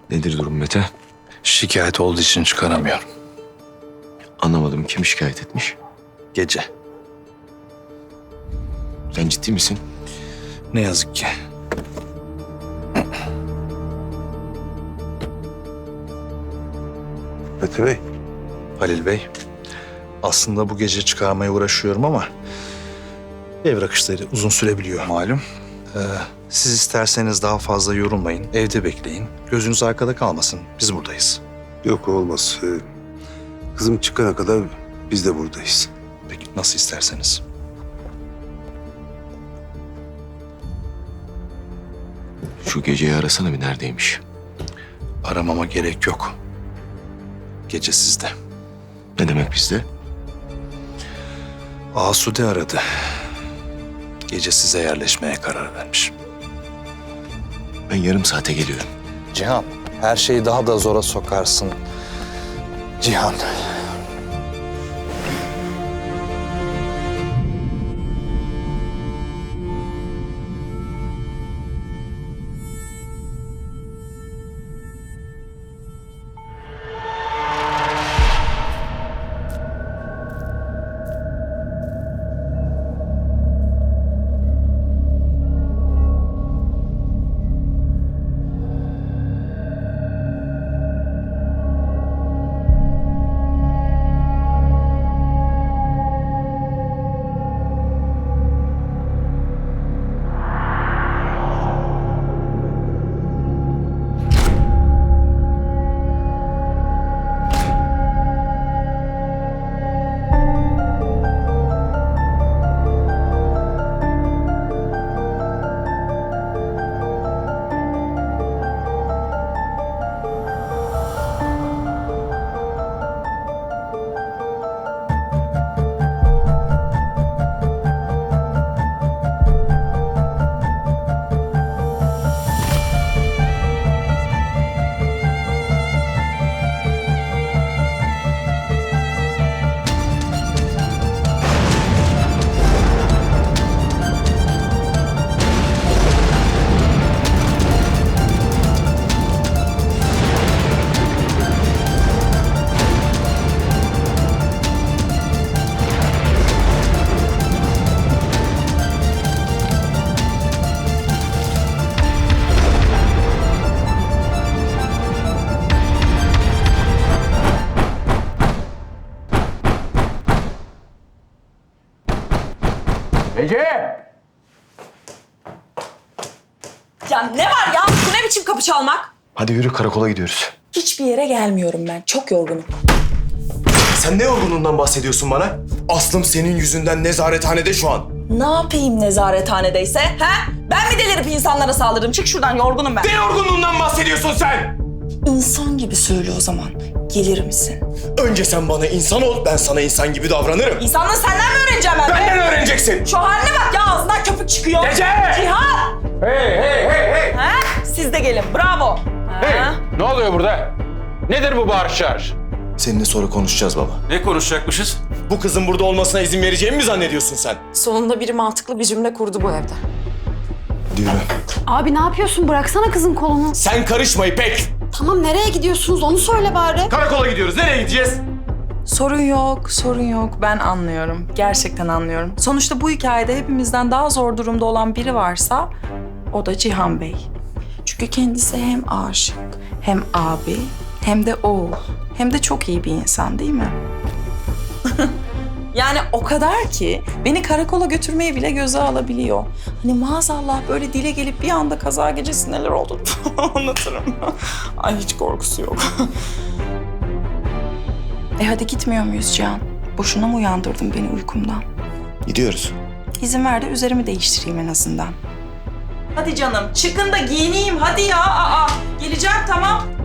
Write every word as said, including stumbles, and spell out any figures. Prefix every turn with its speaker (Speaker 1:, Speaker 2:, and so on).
Speaker 1: Nedir durum Mete?
Speaker 2: Şikayet olduğu için çıkaramıyorum.
Speaker 1: Anlamadım, kim şikayet etmiş?
Speaker 2: Gece.
Speaker 1: Sen ciddi misin?
Speaker 2: Ne yazık ki.
Speaker 3: Mete Bey,
Speaker 2: Halil Bey, aslında bu gece çıkarmaya uğraşıyorum ama evrak işleri uzun sürebiliyor malum. Ee, siz isterseniz daha fazla yorulmayın, evde bekleyin. Gözünüz arkada kalmasın, biz buradayız.
Speaker 3: yok olmaz. Ee, Kızım çıkana kadar biz de buradayız.
Speaker 2: Peki nasıl isterseniz.
Speaker 1: Şu geceyi arasana bir, neredeymiş?
Speaker 2: Aramama gerek yok. Gece sizde.
Speaker 1: Ne demek bizde?
Speaker 2: Asude aradı. Gece size yerleşmeye karar vermiş.
Speaker 1: Ben yarım saate geliyorum.
Speaker 2: Cihan, her şeyi daha da zora sokarsın. Cihan.
Speaker 4: Ya ne var ya? Bu ne biçim kapı çalmak?
Speaker 1: Hadi yürü, karakola gidiyoruz.
Speaker 4: Hiçbir yere gelmiyorum ben. Çok yorgunum.
Speaker 5: Sen ne yorgunluğundan bahsediyorsun bana? Aslım senin yüzünden nezarethanede şu an.
Speaker 4: Ne yapayım nezarethanedeyse? Ha? Ben mi delirip insanlara saldırırım? Çık şuradan, yorgunum ben.
Speaker 5: Ne yorgunluğundan bahsediyorsun sen?
Speaker 4: İnsan gibi söyle o zaman. Gelir misin?
Speaker 5: Önce sen bana insan ol, ben sana insan gibi davranırım.
Speaker 4: İnsanlığı senden mi öğreneceğim ben?
Speaker 5: Benden öğreneceksin.
Speaker 4: Şu haline bak ya, ağzından köpük çıkıyor.
Speaker 5: Gece!
Speaker 4: Cihan!
Speaker 6: Hey hey hey hey!
Speaker 4: Ha? Siz de gelin, bravo. Ha?
Speaker 6: Hey! Ne oluyor burada? Nedir bu bağırış çağırış?
Speaker 5: Seninle sonra konuşacağız baba.
Speaker 6: Ne konuşacakmışız?
Speaker 5: Bu kızın burada olmasına izin vereceğimi mi zannediyorsun sen?
Speaker 4: Sonunda biri mantıklı bir cümle kurdu bu evde.
Speaker 5: Yürü.
Speaker 7: Abi ne yapıyorsun? Bıraksana kızın kolunu.
Speaker 5: Sen karışma İpek.
Speaker 7: Tamam nereye gidiyorsunuz onu söyle bari.
Speaker 5: Karakola gidiyoruz. Nereye gideceğiz?
Speaker 4: Sorun yok, sorun yok. Ben anlıyorum. Gerçekten anlıyorum. Sonuçta bu hikayede hepimizden daha zor durumda olan biri varsa o da Cihan Bey. Çünkü kendisi hem aşık, hem abi, hem de oğul. Hem de çok iyi bir insan değil mi? Yani o kadar ki beni karakola götürmeyi bile göze alabiliyor. Hani maazallah böyle dile gelip bir anda kaza gecesi neler oldu anlatırım. Ay hiç korkusu yok. E hadi gitmiyor muyuz Cihan? Boşuna mı uyandırdın beni uykumdan?
Speaker 5: Gidiyoruz.
Speaker 4: İzin ver de üzerimi değiştireyim en azından. Hadi canım çıkın da giyineyim hadi ya. Aa, geleceğim tamam.